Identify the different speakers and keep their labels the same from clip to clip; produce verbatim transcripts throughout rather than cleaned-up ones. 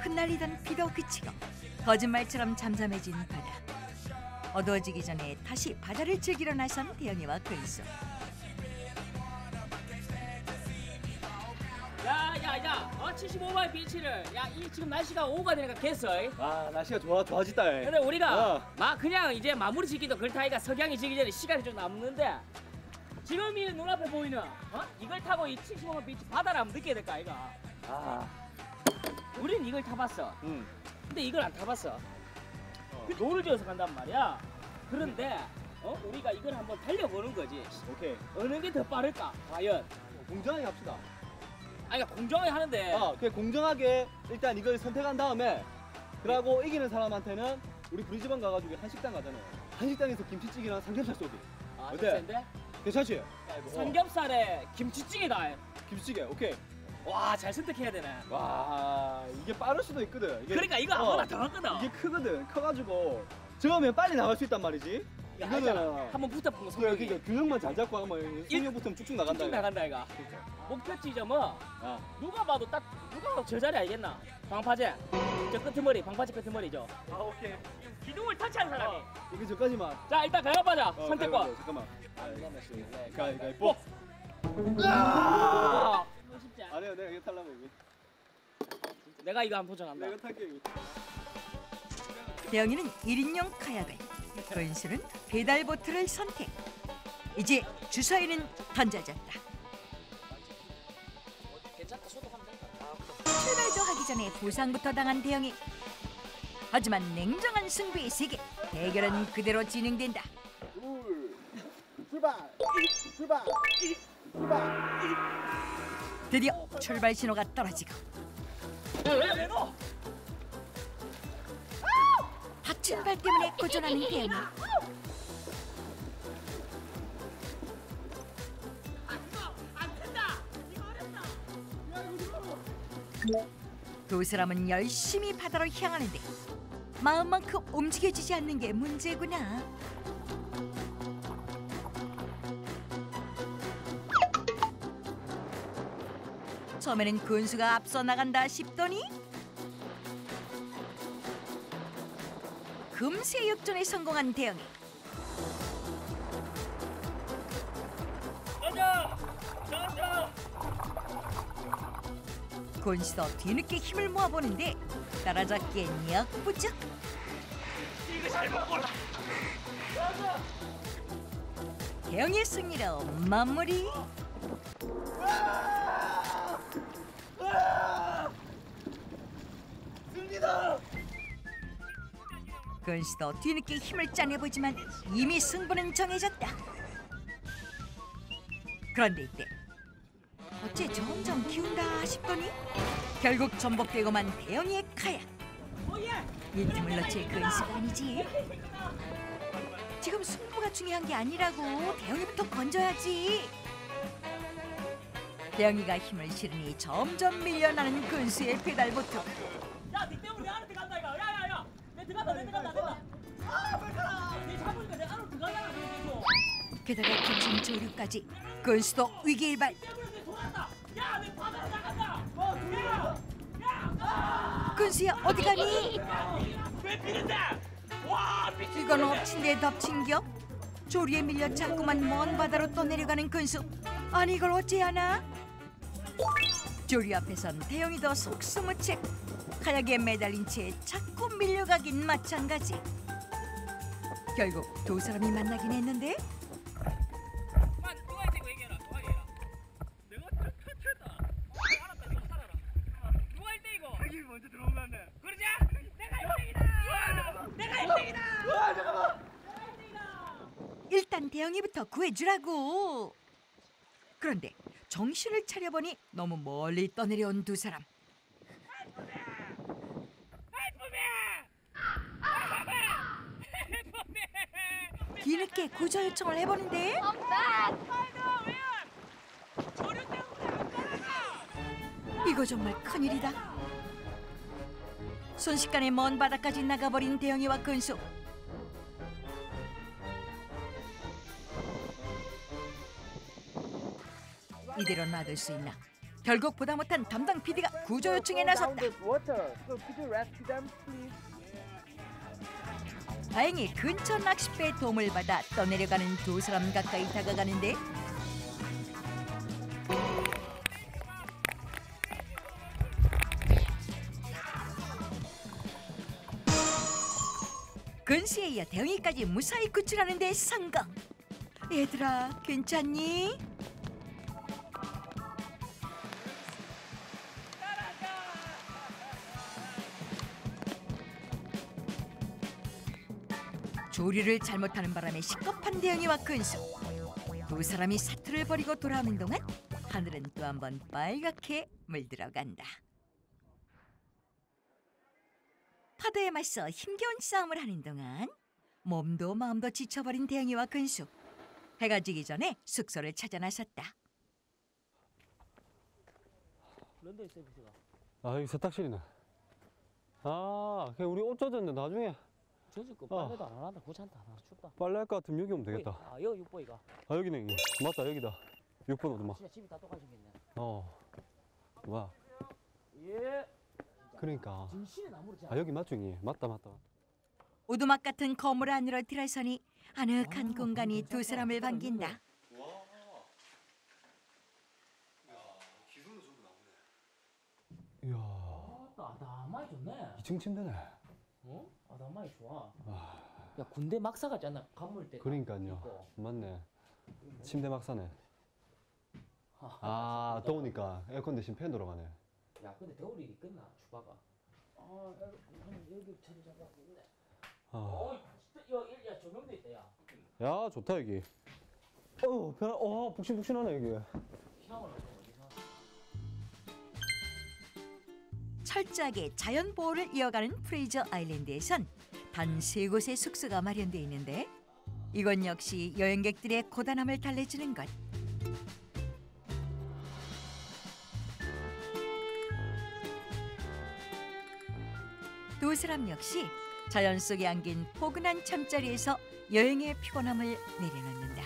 Speaker 1: 흩날리던 비도 그치고 거짓말처럼 잠잠해진 바다. 어두워지기 전에 다시 바다를 즐기러 나선 대영이와 근수.
Speaker 2: 야야야, 어 칠십오 마일 비치를 야 이 지금 날씨가 오후가 되니까 겠어.
Speaker 3: 아 날씨가 좋아 좋아졌다.
Speaker 2: 근데 우리가
Speaker 3: 어.
Speaker 2: 막 그냥 이제 마무리 짓기도 그렇다니까 석양이 지기 전에 시간이 좀 남는데 지금 이 눈앞에 보이는 어 이걸 타고 이 칠십오 마일 비치 바다를 한번 느껴야 될까 이가.
Speaker 3: 아,
Speaker 2: 우린 이걸 타봤어.
Speaker 3: 응.
Speaker 2: 근데 이걸 안 타봤어.
Speaker 3: 어.
Speaker 2: 그 노를 지어서 간단 말이야. 그런데 어 우리가 이걸 한번 달려보는 거지.
Speaker 3: 오케이.
Speaker 2: 어느 게 더 빠를까 과연.
Speaker 3: 공정하게 합시다.
Speaker 2: 아니 그러니까 공정하게 하는데
Speaker 3: 아, 그냥 공정하게 일단 이걸 선택한 다음에 그러고 이기는 사람한테는 우리 브리즈번 가가지고 한식당 가잖아요. 한식당에서 김치찌개랑 삼겹살 쏘기.
Speaker 2: 아,
Speaker 3: 어때?
Speaker 2: 센데?
Speaker 3: 괜찮지?
Speaker 2: 삼겹살에 김치찌개다.
Speaker 3: 김치찌개. 오케이.
Speaker 2: 와, 잘 선택해야 되네.
Speaker 3: 와, 이게 빠를 수도 있거든. 이게,
Speaker 2: 그러니까 이거
Speaker 3: 어,
Speaker 2: 아무나 더 하거든.
Speaker 3: 이게 크거든. 커가지고 저으면 빨리 나갈 수 있단 말이지.
Speaker 2: 야,
Speaker 3: 이거는
Speaker 2: 알잖아. 한번 붙어본 거
Speaker 3: 그래,
Speaker 2: 성격이
Speaker 3: 그러니까 균형만 잘 잡고 하면 승용 붙으면 쭉쭉 나간다.
Speaker 2: 쭉쭉
Speaker 3: 이거.
Speaker 2: 나간다 이가.
Speaker 3: 그러니까.
Speaker 2: 목표 지점은
Speaker 3: 아,
Speaker 2: 누가 봐도 딱 누가 봐도 저 자리 알겠나? 방파제. 저 끄트머리, 방파제 끄트머리죠.
Speaker 3: 아 오케이.
Speaker 2: 기둥을 터치한 사람이.
Speaker 3: 이게 저까지만.
Speaker 2: 자, 일단 가위바위보자.
Speaker 3: 어,
Speaker 2: 선택권.
Speaker 3: 가위바위보, 잠깐만.
Speaker 2: 네,
Speaker 3: 가위바위보.
Speaker 2: 아! 이거 쉽지 않아.
Speaker 3: 아니야, 내가 이거 탈라고 이거.
Speaker 2: 내가 이거 한번 도전한다.
Speaker 3: 내가 탈게 이거.
Speaker 1: 대영이는 일 인용 카약을, 근수는 페달보트를 선택. 이제 주사위는 던져졌다.
Speaker 2: 괜찮다. 소독하면 된다.
Speaker 1: 출발도 하기 전에 부상부터 당한 대영이. 하지만 냉정한 승부의 세계, 대결은 그대로 진행된다.
Speaker 3: 둘, 출발, 출발, 출발.
Speaker 1: 드디어 출발 신호가 떨어지고
Speaker 2: 왜, 왜 너?
Speaker 1: 다친 발 때문에 고전하는 대영이. 두 사람은 열심히 바다로 향하는데 마음만큼 움직여지지 않는 게 문제구나. 처음에는 근수가 앞서 나간다 싶더니 금세 역전에 성공한 대영이.
Speaker 2: 가자! 가자!
Speaker 1: 근수도 뒤늦게 힘을 모아보는데 따라잡기엔 역부족.
Speaker 2: 이거 잘 먹어라!
Speaker 1: 대영의 승리로 마무리.
Speaker 3: 승리다.
Speaker 1: 근수도 뒤늦게 힘을 짜내보지만 이미 승부는 정해졌다. 그런데 이때 어째 점점 기운다 싶더니 결국 전복되고만 대영이의 카약. 이 틈을 놓칠 근수가 아니지. 지금 승부가 중요한 게 아니라고. 대영이부터 건져야지. 대영이가 힘을 실으니 점점 밀려나는 근수의 페달보트.
Speaker 2: 야, 니 때문에 내 안에 들어간다 이거. 야야야, 내 들어간다, 내 들어간다, 내가. 아, 빨리 니 잡으니까 내 안으로 들어가잖아, 그래서.
Speaker 1: 게다가 기침 조류까지. 근수도 위기일발.
Speaker 2: 때문에 내 돌아간다. 야, 내 바다로 나간다. 어, 야, 야.
Speaker 1: 근수야 어디 가니?
Speaker 2: 왜 비는데? 와, 미친.
Speaker 1: 이건 엎친 데 덮친 격. 조류에 밀려 자꾸만 먼 바다로 또 내려가는 근수. 아니 이걸 어찌하나? 조류 앞에선 대영이도 속수무책. 카약에 매달린 채 자꾸 밀려가긴 마찬가지. 결국 두 사람이 만나긴 했는데
Speaker 2: 만 누가 이거 얘기해라. 누가 얘기해라. 내가 쳤다. 알았다. 좀 살아라. 누가 일 대 이거? 여기 먼저 들어오면 그러자. 내가 일 등이다. 내가 일 등이다.
Speaker 3: 아 잠깐만.
Speaker 1: 일단 대영이부터 구해주라고. 그런데 정신을 차려보니 너무 멀리 떠내려온 두 사람. 뒤늦게 구조 요청을 해보는데 이거 정말 큰일이다. 순식간에 먼 바다까지 나가버린 대영이와 근수. 이대로 놔둘 수 있나? 결국 보다 못한 담당 피디가 구조 요청에 나섰다. 다행히 근처 낚싯배의 도움을 받아 떠내려가는 두 사람 가까이 다가가는데 근수에 이어 대웅이까지 무사히 구출하는 데 성공. 얘들아 괜찮니? 조리를 잘못하는 바람에 시급한 대웅이와 근수. 두 사람이 사투를 벌이고 돌아오는 동안 하늘은 또 한 번 빨갛게 물들어간다. 파도에 맞서 힘겨운 싸움을 하는 동안 몸도 마음도 지쳐버린 대웅이와 근수. 해가 지기 전에 숙소를 찾아 나섰다.
Speaker 2: 런던 서비스가.
Speaker 3: 아 여기 세탁실이네. 아 그냥 우리 옷 젖었는데 나중에
Speaker 2: 젖을 거
Speaker 3: 어.
Speaker 2: 빨래도 안 한다. 귀찮다. 나 춥다.
Speaker 3: 빨래 할 것 같으면 여기 오면 되겠다.
Speaker 2: 아 여기 육보이가.
Speaker 3: 아 여기네 여기. 맞다 여기다. 육 번 오두막.
Speaker 2: 진짜 집이 다 똑같이겠네.
Speaker 3: 어. 와.
Speaker 2: 예.
Speaker 3: 그러니까.
Speaker 2: 진실의 나무를 잘.
Speaker 3: 아 여기 맞중이. 맞다 맞다.
Speaker 1: 오두막 같은 건물 안으로 들어서니 아늑한 공간이 두 사람을 반긴다.
Speaker 3: 이야.
Speaker 2: 아, 나만이 좋네.
Speaker 3: 이 층 침대네.
Speaker 2: 어? 아, 나만이 좋아.
Speaker 3: 와.
Speaker 2: 야, 군대 막사 같지 않나? 간물 때.
Speaker 3: 그러니까요.
Speaker 2: 있고.
Speaker 3: 맞네. 침대 막 사네. 아 더우니까 에어컨 대신 팬 돌아가네.
Speaker 2: 야, 근데 겨울이 끝나 주바가. 아, 여기, 여기 자리 잡았겠네.
Speaker 3: 아.
Speaker 2: 어, 진짜, 야, 야, 조명도 있다, 야.
Speaker 3: 야 좋다 여기. 어 변. 어 북신북신하네 여기.
Speaker 2: 샤워를 하고 어디서?
Speaker 1: 철저하게 자연 보호를 이어가는 프레이저 아일랜드에선 단 세 곳의 숙소가 마련돼 있는데 이건 역시 여행객들의 고단함을 달래주는 것. 두 사람 역시 자연 속에 안긴 포근한 잠자리에서 여행의 피곤함을 내려놓는다.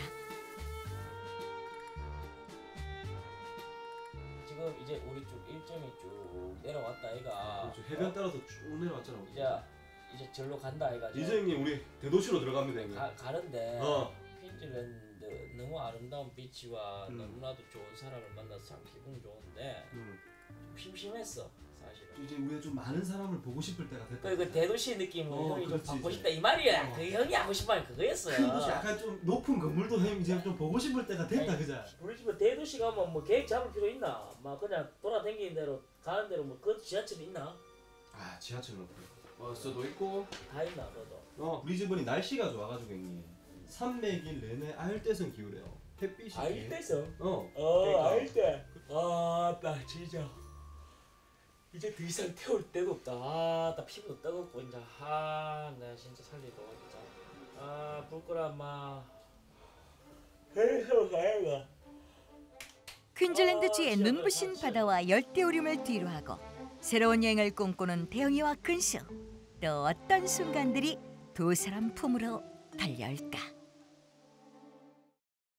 Speaker 2: 지금 이제 우리 쭉 일정이 쭉 내려왔다, 아이가.
Speaker 4: 해변 따라서 쭉 내려왔잖아.
Speaker 2: 이제 이제 절로 간다, 아이가.
Speaker 4: 이제 형님 우리 대도시로 들어갑니다 형님.
Speaker 2: 가, 가는데
Speaker 4: 어.
Speaker 2: 퀸즐랜드 너무 아름다운 비치와
Speaker 4: 음.
Speaker 2: 너무나도 좋은 사람을 만나서 참 기분 좋은데
Speaker 4: 음.
Speaker 2: 좀 심심했어, 사실은.
Speaker 4: 이제 우리가 좀 많은 사람을 보고 싶을 때가 됐다.
Speaker 2: 그, 그 대도시 느낌을
Speaker 4: 어,
Speaker 2: 형이 좀
Speaker 4: 그렇지,
Speaker 2: 받고
Speaker 4: 이제.
Speaker 2: 싶다 이 말이야.
Speaker 4: 어.
Speaker 2: 그 형이 하고 싶은 말이 그거였어.
Speaker 4: 큰 도시 약간 좀 높은 건물도 형 이제 좀 보고 싶을 때가 됐다,
Speaker 2: 아니,
Speaker 4: 그자?
Speaker 2: 우리 집에 대도시 가면 뭐 계획 잡을 필요 있나? 막 그냥 돌아다니는 대로 가는 대로 뭐 그 지하철 있나?
Speaker 4: 아 지하철은 없고. 버스도 있고.
Speaker 2: 다 있나 너도?
Speaker 4: 어 우리 집은 날씨가 좋아가지고 형님 삼백일 내내 아열대성 기후래요. 햇빛이.
Speaker 2: 알대서.
Speaker 4: 어.
Speaker 2: 어
Speaker 4: 그러니까.
Speaker 2: 알대. 아나 진짜 이제 더 이상 태울 데도 없다. 아나 피부도 뜨겁고 이제 아나 진짜 살리고 진짜 아 부끄러워 마. 해서 가야가.
Speaker 1: 퀸즐랜드주의 눈부신 바다와 열대우림을 뒤로하고 새로운 여행을 꿈꾸는 대웅이와 근수. 또 어떤 순간들이 두 사람 품으로 달려올까.